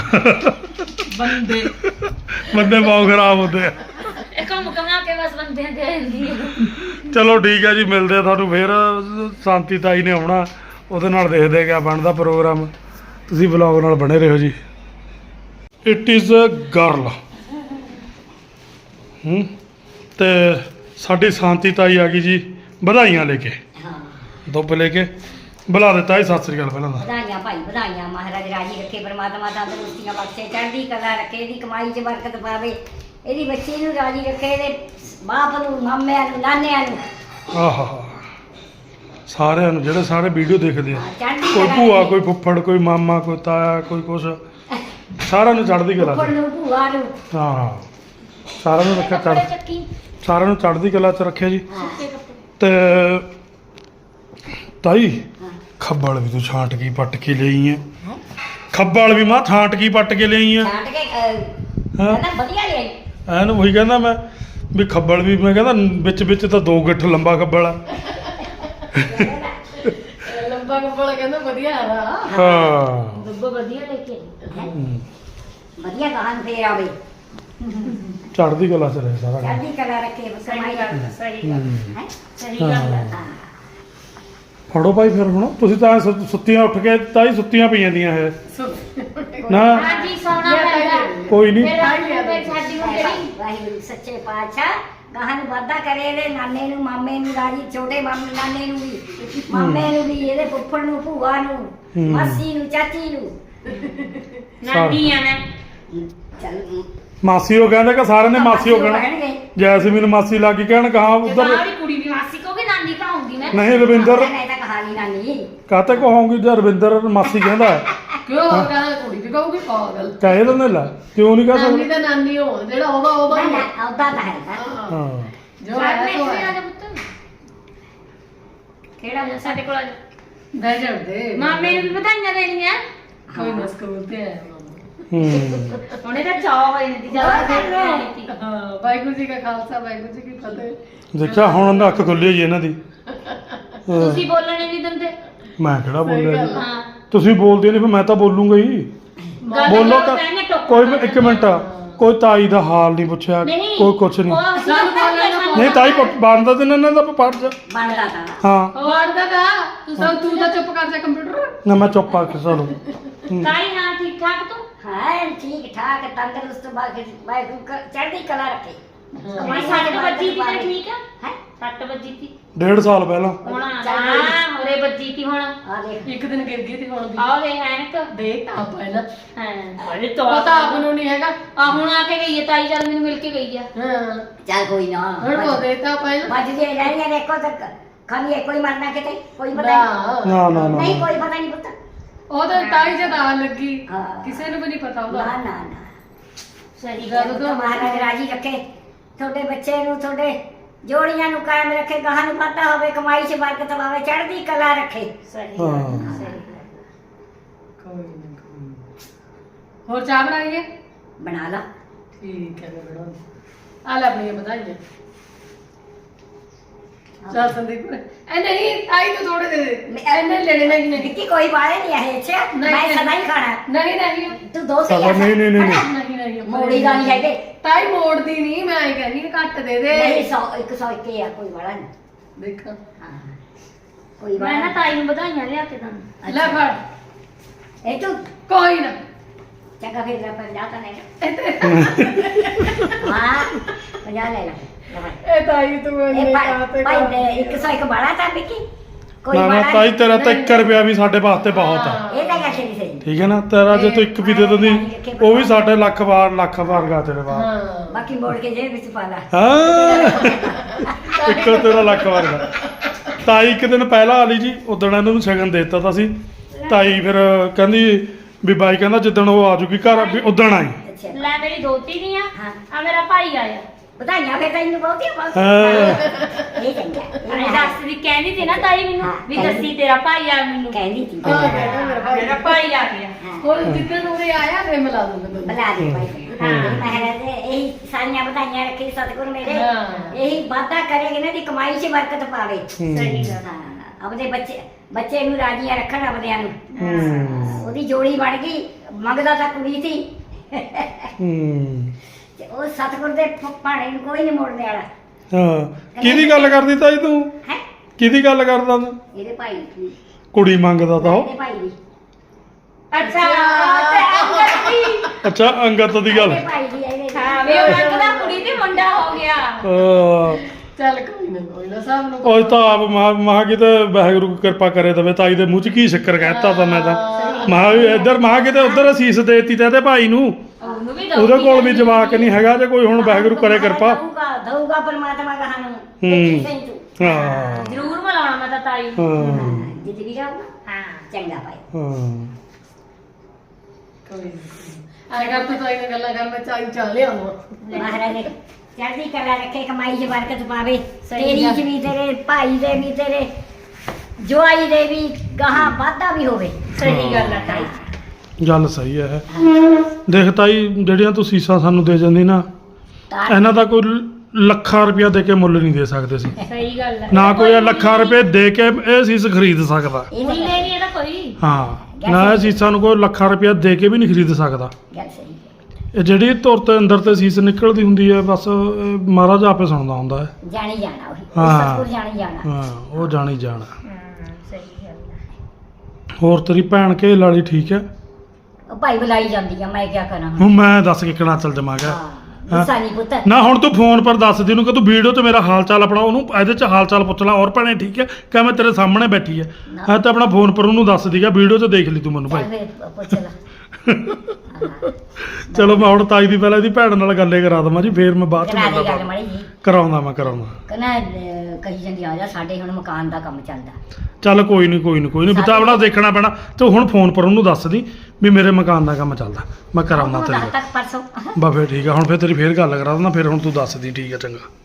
ਬੰਦੇ ਬੰਦੇ ਬਹੁਤ ਖਰਾਬ ਹੁੰਦੇ ਆ ਇਹ ਕੰਮ ਕਮਾ ਕੇ ਬਸ ਬੰਦਿਆਂ ਤੇ ਆ ਜਾਂਦੀ ਹੈ ਚਲੋ ਠੀਕ ਹੈ ਜੀ ਮਿਲਦੇ ਆ ਤੁਹਾਨੂੰ ਫੇਰ ਸ਼ਾਂਤੀ ਤਾਈ ਨੇ ਆਉਣਾ ਉਹਦੇ ਨਾਲ ਦੇਖਦੇ ਕਿਆ ਬਣਦਾ ਪ੍ਰੋਗਰਾਮ ਤੁਸੀਂ ਵਲੌਗ ਨਾਲ ਬਣੇ ਰਹੋ ਜੀ ਇਟ ਇਜ਼ ਅ ਗਰਲ ਹੂੰ ਤੇ ਸਾਡੀ ਸ਼ਾਂਤੀ ਤਾਈ ਆ ਗਈ ਜੀ ਵਧਾਈਆਂ ਲੈ ਕੇ ਦੁੱਬ ਲੈ ਕੇ ਬੁਲਾ ਦਿੱਤਾ ਜੀ ਸਤਿ ਸ੍ਰੀ ਅਕਾਲ ਪਹਿਲਾਂ ਤਾਂ ਵਧਾਈਆਂ ਭਾਈ ਵਧਾਈਆਂ ਮਹਾਰਾਜ ਰਾਜੀ ਰੱਖੇ ਪਰਮਾਤਮਾ ਤੰਦਰੁਸਤੀਆਂ ਬਖਸ਼ੇ ਚੜ੍ਹਦੀ ਕਲਾ ਰੱਖੇ ਇਹਦੀ ਕਮਾਈ 'ਚ ਬਰਕਤ ਪਾਵੇ ਇਹਦੀ ਬੱਚੀ ਨੂੰ ਰਾਜੀ ਰੱਖੇ ਇਹਦੇ ਬਾਪ ਨੂੰ ਮਾਮਿਆਂ ਨੂੰ ਨਾਨਿਆਂ ਨੂੰ ਆਹਾ ਸਾਰਿਆਂ ਨੂੰ ਜਿਹੜੇ ਸਾਰੇ ਵੀਡੀਓ ਦੇਖਦੇ ਆ ਚੜ੍ਹਦੀ ਕੋਈ ਕਲਾ ਭੂਆ ਰੱਖੇ। ਕੋਈ ਫੁੱਫੜ ਕੋਈ ਮਾਮਾ ਕੋਈ ਤਾਇਆ ਕੋਈ ਕੁਛ ਸਾਰਿਆਂ ਨੂੰ ਚੜ੍ਹਦੀ ਕਲਾ ਫੁੱਫੜ ਚ ਨੂੰ ਭੂਆ ਨੂੰ ਹਾਂ ਸਾਰਿਆਂ ਨੂੰ ਰੱਖਿਆ ਚੜ੍ਹ ਕੱਪੜੇ ਚੱਕੀ ਸਾਰਿਆਂ ਨੂੰ ਚੜ੍ਹਦੀ ਕਲਾ ਚ ਰੱਖਿਆ ਜੀ ਹਾਂ ਤੇ ਤਾਈ ਹਾਂ। ਖੱਬਲ ਵੀ ਤੂੰ ਛਾਂਟ ਕੇ ਪੱਟ ਕੇ ਲਈ ਹੈ ਖੱਬਲ ਵੀ ਮਾਂ ਛਾਂਟ ਕੇ ਪੱਟ ਕੇ ਲਈ ਹੈ ਛਾਂਟ ਕੇ ਅਹ, ਹਾਂ ਕਹਿੰਦਾ ਵਧੀਆ ਲਿਆਈ ਐਨ ਉਹੀ ਕਹਿੰਦਾ ਮੈਂ ਵੀ ਖੱਬਲ ਵੀ ਮੈਂ ਕਹਿੰਦਾ ਵਿੱਚ ਵਿੱਚ ਤਾਂ ਦੋ ਗਿੱਠ ਲੰਬਾ ਖੱਬਲ ਆ ਲੰਬਾ ਕੱਪੜਾ ਕਹਿੰਦਾ ਵਧੀਆ ਆਦਾ ਹਾਂ ਦੁੱਬ ਵਧੀਆ ਲੈ ਕੇ ਆਈ। ਹੂੰ। ਵਧੀਆ ਗਾਹਨ ਫੇਰ ਆਵੇ ਚੜ੍ਹਦੀ ਕਲਾ ਚ ਰਹੇ ਸਾਰਾ ਕੰਮ। ਚੜ੍ਹਦੀ ਕਲਾ ਰੱਖੇ ਕਮਾਈ ਸਹੀ ਹੂੰ। ਹੈ ਸਹੀ ਗੱਲ ਹੈ ਹਾਂ ਫੜੋ ਭਾਈ ਫਿਰ ਹੁਣ ਤੁਸੀਂ ਤਾਂ ਸੁ- ਸੁੱਤੀਆਂ ਉੱਠ ਕੇ ਤਾਈ ਸੁੱਤੀਆਂ ਪਈਆਂ ਦੀਆਂ ਇਹ ਨਾ ਹਾਂਜੀ ਸੌਣਾ ਪੈਂਦਾ ਕੋਈ ਨਹੀਂ ਫਿਰ ਰਾਤ ਨੂੰ ਫਿਰ ਸਾਡੀ ਹੁਣ ਜਿਹੜੀ ਵਾਹਿਗੁਰੂ ਸੱਚੇ ਪਾਤਸ਼ਾਹ ਗਾਹਨ ਵਾਧਾ ਕਰੇ ਇਹਦੇ ਨਾਨੇ ਨੂੰ ਮਾਮੇ ਨੂੰ ਰਾਜੀ ਛੋਟੇ ਮਾਮੇ ਨਾਨੇ ਨੂੰ ਵੀ ਮਾਮੇ ਨੂੰ ਵੀ ਇਹਦੇ ਫੁੱਫੜ ਨੂੰ ਭੂਆ ਨੂੰ ਹੂੰ। ਮਾਸੀ ਨੂੰ ਚਾਚੀ ਨੂੰ ਨਾਨੀ ਆ ਮੈਂ ਚੱਲ ਮਾਸੀ ਉਹ ਕਹਿੰਦੇ ਕਿ ਸਾਰਿਆਂ ਨੇ ਮਾਸੀ ਉਹ ਕਹਿਣਾ ਕਹਿਣਗੇ। ਜੈਸਮੀਨ ਮਾਸੀ ਲੱਗੀ ਕਹਿਣ ਕਹਾ ਉਧਰ ਸਾਰੀ ਕੁੜੀ ਵੀ ਮਾਸੀ ਕਹੋਗੇ ਨਾਨੀ ਕਹਾਉਂਗੀ ਮੈਂ ਨਹੀਂ ਰਵਿੰਦਰ ਨਹੀਂ ਤਾਂ ਕਹਾਣੀ ਨਾਨੀ ਕਾਤੇ ਕਹਾਂਗੀ ਜੇ ਰਵਿੰਦਰ ਮਾਸੀ ਕਹਿੰਦਾ ਹੈ। ਕਿਉਂ ਉਹ ਕਹਿੰਦਾ ਕੁੜੀ ਵੀ ਕਹੂਗੀ ਪਾਗਲ ਕਹਿ ਦਿੰਦੇ ਲੈ ਕਿਉਂ ਨਹੀਂ ਕਹਿ ਨਾਨੀ ਸਕਦੇ ਦਾ ਨਾਨੀ ਹੋ ਜਿਹੜਾ ਉਹਦਾ ਉਹਦਾ ਹੀ ਹੈ। ਉਹਦਾ ਤਾਂ ਹੈ ਹਾਂ। ਹਾਂ ਜੋ ਹੈ ਸੋ ਆ ਹੈ। ਜਾ ਪੁੱਤ ਕਿਹੜਾ ਹੋ ਸਾਡੇ ਕੋਲ ਆ ਜਾ ਬਹਿ ਜਾਂਦੇ ਮਾਮੇ ਨੂੰ ਵੀ ਵਧਾਈਆਂ ਦੇਣੀਆਂ ਕੋਈ ਨਾ ਸਕੂਲ ਤੇ ਆਇਆ ਮਾਮਾ। ਹੂੰ ਹੁਣੇ ਤਾਂ ਚਾਹ ਹੋਏ ਨੇ ਦੀ ਜ਼ਿਆਦਾ ਦੇਰ ਨਹੀਂ ਹਾਂ ਵਾਹਿਗੁਰੂ ਜੀ ਕਾ ਖਾਲਸਾ ਵਾਹਿਗੁਰੂ ਜੀ ਕੀ ਫਤਿਹ। ਦੇਖਿਆ ਹੁਣ ਨਾ ਅੱਖ ਖੁੱਲੀ ਹੋਈ ਇਹਨਾਂ ਦੀ ਤੁਸੀਂ ਬੋਲਣੇ ਨਹੀਂ ਦਿੰਦੇ ਮੈਂ ਕਿਹੜਾ ਬੋਲਿਆ ਜੀ? ਹਾਂ ਤੁਸੀਂ ਬੋਲਦੇ ਨਹੀਂ ਫਿਰ ਮੈਂ ਤਾਂ ਬੋਲੂੰਗਾ ਹੀ ਗੱਲ ਬੋਲੋ ਕਰੋ, ਤਾਂ ਕਹਿੰਦੇ ਟੋਕੋ ਕੋਈ ਵੀ- ਇੱਕ ਮਿੰਟ ਕੋਈ ਤਾਈ ਦਾ ਹਾਲ ਨਹੀਂ ਪੁੱਛਿਆ ਨਹੀਂ ਕੋਈ ਕੁਛ ਨਹੀਂ ਉਹ ਅਸੀਂ ਸਾਨੂੰ ਤਾਂ ਬੋਲਣਾ ਨਹੀਂ ਤਾਈ ਬਣਦਾ ਤੇ ਇਹਨਾਂ ਦਾ ਪਾਠ ਜਾ ਬਣਦਾ ਤਾਂ ਹਾਂ ਵੜਦਾ ਦਾ ਤੂੰ ਸਭ ਤੂੰ ਤਾਂ ਚੁੱਪ ਕਰ ਜਾ ਕੰਪਿਊਟਰ। ਨਾ ਮੈਂ ਚੁੱਪ ਆ ਕੇ ਚਲੋ ਤਾਈ ਹਾਂ ਠੀਕ ਠਾਕ ਤੂੰ ਹਾਂ ਠੀਕ ਠਾਕ ਤੰਦਰੁਸਤ ਬਾਕੀ ਵਾਹਿਗੁਰੂ ਕ- ਚੜ੍ਹਦੀ ਕਲਾ ਰੱਖੇ ਮੈਂ ਸੱਟ ਵੱਜੀ ਤੀ ਤਾਂ ਠੀਕ ਆ ਹੈ ਸੱਟ ਵੱਜੀ ਤੀ ਡੇਢ ਸਾਲ ਪਹਿਲਾਂ ਹੁਣ ਹਾਂ ਹੋਰੇ ਵੱਜੀ ਤੀ ਹੁਣ ਆ ਦੇਖ ਇੱਕ ਦਿਨ ਗਿਰ ਗਈ ਤੇ ਹੁਣ ਵੀ ਆਹ ਦੇ ਹੈਂਕ ਦੇ ਤਾਂ ਪਹਿਲਾਂ ਹਾਂ ਬੜੇ ਪਤਾ ਆਪ ਨੂੰ ਨਹੀਂ ਹੈਗਾ। ਆ ਹੁਣ ਆ ਕੇ ਗਈ ਹੈ ਤਾਈ ਜਦ ਮੈਨੂੰ ਮਿਲ ਕੇ ਗਈ ਆ ਹਾਂ ਚੱਲ ਕੋਈ ਨਾ ਹੁਣ ਉਹ ਦੇ ਤਾਂ ਪਹਿਲਾਂ ਮੱਝ ਜੇ ਰਹਿਣੀਆਂ ਦੇਖੋ ਤੱਕ ਖਾਲੀ ਇੱਕੋ ਹੀ ਮਰਨਾ ਕਿਤੇ ਕੋਈ ਪਤਾ ਨਹੀਂ ਨਾ ਨਾ ਨਾ ਨਾ ਨਹੀਂ ਕੋਈ ਪਤਾ ਨਹੀਂ ਪੁੱਤ ਉਹ ਤਾਂ ਤਾਈ ਜਦ ਆ ਲੱਗੀ ਹਾਂ। ਕਿਸੇ ਨੂੰ ਵੀ ਨਹੀਂ ਪਤਾ ਨਾ ਉਹਦਾ ਨਾ ਨਾ ਸਹੀ ਜਦੋਂ ਜਦੋਂ ਮਹਾਰਾਜ ਰਾਜੀ ਰੱਖੇ ਤੁਹਾਡੇ ਬੱਚੇ ਨੂੰ ਤੁਹਾਡੇ ਜੋੜੀਆਂ ਨੂੰ ਕਾਇਮ ਰੱਖੇ ਗਾਹਾਂ ਨੂੰ ਵਾਧਾ ਹੋਵੇ ਕਮਾਈ 'ਚ ਬਰਕਤ ਪਾਵੇ ਚੜ੍ਹਦੀ ਕਲਾ ਰੱਖੇ ਸਹੀ ਹਾਂ। ਸਹੀ ਕੋਈ ਨਾ ਕੋਈ ਨਾ। ਹੋਰ ਚਾਹ ਬਣਾਈਏ ਬਣਾ ਲਾ ਠੀਕ ਹੈ ਮੈਂ ਬਣਾਉਂਦੀ ਆ ਲੈ ਆਪਣੀਆਂ ਵਧਾਈਆਂ ਚੱਲ ਸੰਦੀਪ ਐ ਨਹੀਂ ਤਾਈ ਤੋਂ ਥੋੜੇ ਦੇ ਦੇ ਐਨੇ ਲੈਣੇ ਨਹੀਂ ਨਹੀਂ ਵਿੱਕੀ ਕੋਈ ਬਾਰੇ ਨਹੀਂ ਹੈ ਅੱਛਾ ਨਹੀਂ, ਮੈਂ ਨਹੀਂ। ਸਦਾ ਹੀ ਖਾਣਾ ਨਹੀਂ ਨਹੀਂ ਤੂੰ ਦੋ ਸੇ ਚਲੋ ਨਹੀਂ ਨਹੀਂ ਨਹੀਂ ਨਹੀਂ ਨਹੀਂ ਨਹੀਂ ਮੋੜੀ ਦਾ ਨਹੀਂ ਹੈਗੇ ਤਾਈ ਮੋੜਦੀ ਨਹੀਂ ਮੈਂ ਐ ਕਹਿੰਦੀ ਘੱਟ ਦੇ ਦੇ ਨਹੀਂ ਸੌ ਇੱਕ ਸੌ ਇੱਕ ਹੀ ਆ ਕੋਈ ਵਾਲਾ ਨਹੀਂ ਦੇਖ ਹਾਂ ਕੋਈ ਮੈਂ ਵਾਲਾ ਨਾ ਨਹੀਂ। ਤਾਈ ਨੂੰ ਵਧਾਈਆਂ ਲਿਆ ਕੇ ਦਾਂ ਲੈ ਫੜ ਇਹ ਤੂੰ ਕੋਈ ਨਾ ਚੰਗਾ ਫਿਰ ਲੈ ਪੰਜਾਹ ਤਾਂ ਨਹੀਂ ਇਹ ਹਾਂ ਪੰਜਾਹ ਲੈ ਲੈ ਲੈ ਫੜ। ਇਹ ਤਾਈ ਤੂੰ ਇਹ ਇੰਨੇ ਭਾਈ ਕਾਤੇ ਭਾਈ ਦੇ ਇੱਕ ਸੌ ਇੱਕ ਬਾਲਾ ਤਾਂ ਵਿੱਕੀ ਕੋਈ ਨਾ ਨਾ ਵਾਲਾ ਤਾਈ ਨਹੀਂ। ਤੇਰਾ ਤਾਂ ਇੱਕ ਰੁਪਿਆ ਵੀ ਸਾਡੇ ਵਾਸਤੇ ਬਹੁਤ ਆ ਇਹ ਤਾਂ ਗੱਲ ਸਹੀ ਸਹੀ ਠੀਕ ਹੈ ਨਾ ਤੇਰਾ ਜੇ ਤੂੰ ਇੱਕ ਵੀ ਦੇ ਦਿੰਦੀ ਉਹ ਵੀ ਸਾਡੇ ਲੱਖ ਵਾਰ ਲੱਖ ਵਾਰ ਗਾ ਤੇਰੇ ਬਾਅਦ ਹਾਂ ਬਾਕੀ ਮੋੜ ਕੇ ਜੇਬ ਵਿੱਚ ਪਾ ਲਾ ਹਾਂ ਇੱਕੋ ਤੇਰਾ ਲੱਖ ਵਾਰ ਗਾ ਤਾਈ ਇੱਕ ਦਿਨ ਪਹਿਲਾਂ ਆਲੀ ਜੀ ਉਦਣ ਇਹਨਾਂ ਨੂੰ ਸ਼ਗਨ ਦੇ ਦਿੱਤਾ ਤਾਂ ਸੀ ਤਾਈ ਫਿਰ ਕਹਿੰਦੀ ਵੀ ਬਾਈ ਕਹਿੰਦਾ ਜਿੱਦਣ ਉਹ ਆ ਜੂਗੀ ਘਰ ਵੀ ਉਦਣ ਆਈ ਅੱਛਾ ਲੈ ਮੇਰੀ ਦੋਤੀ ਨਹੀਂ ਆ ਹਾਂ ਆ ਮੇਰਾ ਭਾਈ ਆਇਆ ਵਧਾਈਆਂ ਫਿਰ ਤੈਨੂੰ ਬਹੁਤੀਆਂ ਬਹੁਤ ਹਾਂ ਇਹ ਚੰਗਾ ਇਹ ਅਰੇ ਮੈਂ ਦੱਸ ਦੀ ਕਹਿੰਦੀ ਸੀ ਨਾ ਤਾਈ ਮੈਨੂੰ ਹਾਂ, ਵੀ ਕਹਿੰਦੀ। ਦੱਸੀ ਤੇਰਾ ਭਾਈ ਆ ਮੈਨੂੰ ਕਹਿੰਦੀ ਸੀ ਹਾਂ ਕਹਿੰਦਾ ਮੇਰਾ ਭਾਈ ਮੇਰਾ ਭਾਈ ਆ ਗਿਆ ਹਾਂ ਹੋਰ ਜਿੱਦਣ ਉਰੇ ਆਇਆ ਫੇਰ ਮਿਲਾ ਦੂੰਗਾ ਤੈਨੂੰ ਬੁਲਾ ਦੇ ਭਾਈ ਹਾਂ ਮਹਾਰਾਜ ਇਹੀ ਸਾਰੀਆਂ ਵਧਾਈਆਂ ਰੱਖੇ ਸਤਿਗੁਰ ਮੇਰੇ ਹਾਂ। ਇਹੀ ਵਾਧਾ ਕਰੇ ਇਹਨਾਂ ਦੀ ਕਮਾਈ 'ਚ ਬਰਕਤ ਪਾਵੇ ਸਹੀ ਗੱਲ ਹਾਂ ਆਪਦੇ ਬੱਚੇ ਬੱਚੇ ਨੂੰ ਰਾਜੀਆਂ ਰੱਖਣ ਆਪਦਿਆਂ ਨੂੰ ਹੂੰ ਉਹਦੀ ਜੋੜੀ ਬਣ ਗਈ ਮੰਗਦਾ ਤਾਂ ਕੁੜੀ ਸੀ ਹੂੰ ਤੇ ਉਹ ਸਤਿਗੁਰ ਦੇ ਭ- ਭਾਣੇ ਨੂੰ ਕੋਈ ਨਹੀਂ ਮੋੜਨੇ ਵਾਲਾ ਹਾਂ ਕਿਹਦੀ ਗੱਲ ਕਰਦੀ ਤਾਈ ਤੂੰ ਹੈ ਕਿਹਦੀ ਗੱਲ ਕਰਦਾ ਤੂੰ ਇਹਦੇ ਭਾਈ ਦੀ ਕੁੜੀ ਮੰਗਦਾ ਤਾਂ ਉਹ ਇਹਦੇ ਭਾਈ ਦੀ ਅੱਛਾ ਤੇ ਅੰਗਦ ਦੀ ਅੱਛਾ ਅੰਗਤ ਦੀ ਗੱਲ ਇਹਦੇ ਭਾਈ ਦੀ ਇਹਦੇ ਹਾਂ ਵੀ ਉਹ ਲੱਗਦਾ ਕੁੜੀ ਤੇ ਮੁੰਡਾ ਹੋ ਗਿਆ ਅਹ ਚੱਲ ਕੋਈ ਨਾ ਕੋਈ ਨਾ ਸਭ ਨੂੰ ਉਹ ਤਾਂ ਆਪ ਮਹਾ ਮਹਾ ਕਿਤੇ ਵਾਹਿਗੁਰੂ ਕਿਰਪਾ ਕਰੇ ਤਵੇ ਤਾਈ ਦੇ ਮੂੰਹ ਚ ਕੀ ਸ਼ੱਕਰ ਕਹਿਤਾ ਤਾਂ ਮੈਂ ਤਾਂ ਮਹਾ ਵੀ ਇੱਧਰ ਮਹਾ ਕਿਤੇ ਉੱਧਰ ਅਸੀਸ ਦੇਤੀ ਤੇ ਇਹਦੇ ਭਾਈ ਨੂੰ ਉਹਨੂੰ ਵੀ ਉਹਦੇ ਕੋਲ ਵੀ ਜਵਾਕ ਨਹੀਂ ਹੈਗਾ ਜੇ ਕੋਈ ਹੁਣ ਵਾਹਿਗੁਰੂ ਕਰੇ ਕਿਰਪਾ ਦਊਗਾ ਦਊਗਾ ਪਰਮਾਤਮਾ ਕਹਾਂ ਨੂੰ ਹੂੰ। ਦੇਖੀ ਸਹੀ ਤੂੰ ਹਾਂ ਜ਼ਰੂਰ ਮਿਲਾਉਣਾ ਮੈਂ ਤਾਂ ਤਾਈ ਨੂੰ। ਹਾਂ ਜਿੱਦ ਵੀ ਜਾਊਗਾ ਹਾਂ ਚੰਗਾ ਭਾਈ ਹਾਂ ਕੋਈ ਨਾ ਆਏ ਕਰ ਤੂੰ ਤਾਈ ਨਾਲ ਗੱਲਾਂ ਕਰ ਮੈਂ ਚਾਈ ਚਾਹ ਲਿਆਵਾਂ ਮਹਾਰਾਜ ਨੇ ਚੜ੍ਹਦੀ ਕਲਾ ਰੱਖੇ ਕਮਾਈ 'ਚ ਬਰਕਤ ਪਾਵੇ ਸਹੀ ਤੇਰੀ ਗੱਲ। 'ਚ ਵੀ ਤੇਰੇ ਭਾਈ ਦੇ ਵੀ ਤੇਰੇ ਜਵਾਈ ਦੇ ਵੀ ਗਾਹਾਂ ਵਾਧਾ ਵੀ ਹੋਵੇ ਸਹੀ ਗੱਲ ਆ ਤਾਈ ਗੱਲ ਸਹੀ ਹੈ ਦੇਖ ਤਾਈ ਜਿਹੜੀਆਂ ਤੂੰ ਸੀਸਾਂ ਸਾਨੂੰ ਦੇ ਜਾਂਦੀ ਨਾ ਤਾਂ ਇਹਨਾਂ ਦਾ ਕੋਈ ਲੱਖਾਂ ਰੁਪਇਆ ਦੇ ਕੇ ਮੁੱਲ ਨਹੀਂ ਦੇ ਸਕਦੇ ਸੀ ਸਹੀ ਗੱਲ ਆ ਨਾ ਕੋਈ ਇਹ ਲੱਖਾਂ ਰੁਪਏ ਦੇ ਕੇ ਇਹ ਸੀਸ ਖਰੀਦ ਸਕਦਾ ਇਹ ਮੁੱਲੇ ਨਹੀਂ ਨਹੀਂ ਇਹਦਾ ਕੋਈ ਹਾਂ ਨਾ ਇਹ ਸੀਸਾਂ ਨੂੰ ਕੋਈ ਲੱਖਾਂ ਰੁਪਇਆ ਦੇ ਕੇ ਵੀ ਨਹੀਂ ਖਰੀਦ ਸਕਦਾ ਗੱਲ ਸਹੀ ਹੈ। ਇਹ ਜਿਹੜੀ ਧੁਰ ਤੇ ਅੰਦਰ ਤੇ ਸੀਸ ਨਿਕਲਦੀ ਹੁੰਦੀ ਹੈ ਬਸ ਇਹ ਮਹਾਰਾਜ ਆਪੇ ਸੁਣਦਾ ਹੁੰਦਾ ਹੈ ਜਾਣੀ ਜਾਣਾ ਉਹੀ ਹਾਂ। ਸਤਿਗੁਰ ਜਾਣੀ ਜਾਣਾ ਹਾਂ ਉਹ ਜਾਣੀ ਜਾਣਾ ਹਾਂ ਸਹੀ ਗੱਲ ਆ ਹੋਰ ਤੇਰੀ ਭੈਣ ਕੇ ਲਾਲੀ ਠੀਕ ਹੈ ਉਹ ਭਾਈ ਬੁਲਾਈ ਜਾਂਦੀ ਆ ਮੈਂ ਕੀ ਕਰਾਂ ਹੁਣ ਹੁਣ ਮੈਂ ਦੱਸ ਕੇ ਕਿਹੜਾ ਚੱਲ ਜਮਾ ਗਿਆ ਹਾਂ ਗੁੱਸਾ ਨਹੀਂ ਪੁੱਤ ਨਾ ਹੁਣ ਤੂੰ ਫੋਨ ਪਰ ਦੱਸ ਦੀ ਨੂੰ ਕਿ ਤੂੰ ਵੀਡੀਓ 'ਚ ਮੇਰਾ ਹਾਲ ਚਾਲ ਆਪਣਾ ਉਹਨੂੰ ਇਹਦੇ 'ਚ ਹਾਲ ਚਾਲ ਪੁੱਛ ਲੈ ਔਰ ਭੈਣੇ ਠੀਕ ਹੈ ਕਿ ਮੈਂ ਤੇਰੇ ਸਾਹਮਣੇ ਬੈਠੀ ਹੈ ਹਾਂ ਤਾਂ ਆਪਣਾ ਫੋਨ ਪਰ ਉਹਨੂੰ ਦੱਸ ਦੀਗਾ ਵੀਡੀਓ 'ਚ ਦੇਖ ਲਈ ਤੂੰ ਮੈਨੂੰ ਚੱਲ ਭਾਈ ਫਿਰ ਪੁੱਛ ਲੈ ਚਲੋ ਮੈਂ ਹੁਣ ਤਾਈ ਦੀ ਪਹਿਲਾਂ ਇਹਦੀ ਭੈਣ ਨਾਲ ਗੱਲੇ ਕਰਾ ਦਵਾਂ ਜੀ, ਫੇਰ ਮੈਂ ਬਾਅਦ ਚ ਕਰਾ ਦੇ ਮਿਲਦਾ ਗੱਲ ਮਾੜੀ ਜੀ ਕਰਾਉਂਦਾ ਮੈਂ ਕਰਾਉਂਦਾ ਕਹਿੰਦਾ ਕਹੀ ਜਾਂਦੀ ਆ ਜਾ ਸਾਡੇ ਹੁਣ ਮਕਾਨ ਦਾ ਕੰਮ ਚੱਲਦਾ ਚੱਲ ਕੋਈ ਨਹੀਂ ਕੋਈ ਨਹੀਂ ਕੋਈ ਨਹੀਂ ਬਤਾਵੜਾ ਦੇਖਣਾ ਪੈਣਾ ਤੇ ਹੁਣ ਫੋਨ ਪਰ ਉਹਨੂੰ ਦੱਸ ਦੀ ਵੀ ਮੇਰੇ ਮਕਾਨ ਦਾ ਕੰਮ ਚੱਲਦਾ, ਮੈਂ ਕਰਾਉਂਦਾ ਉਹਨੂੰ ਤੇਰੇ ਦੱਸ ਤੱਕ ਪਰਸੋਂ ਬਾ ਫਿਰ ਠੀਕ ਆ, ਹੁਣ ਫਿਰ ਤੇਰੀ ਫੇਰ ਗੱਲ ਕਰਾ ਦਿੰਦਾ, ਫਿਰ ਹੁਣ ਤੂੰ ਦੱਸ ਦੀ ਠੀਕ ਆ ਚੰਗਾ।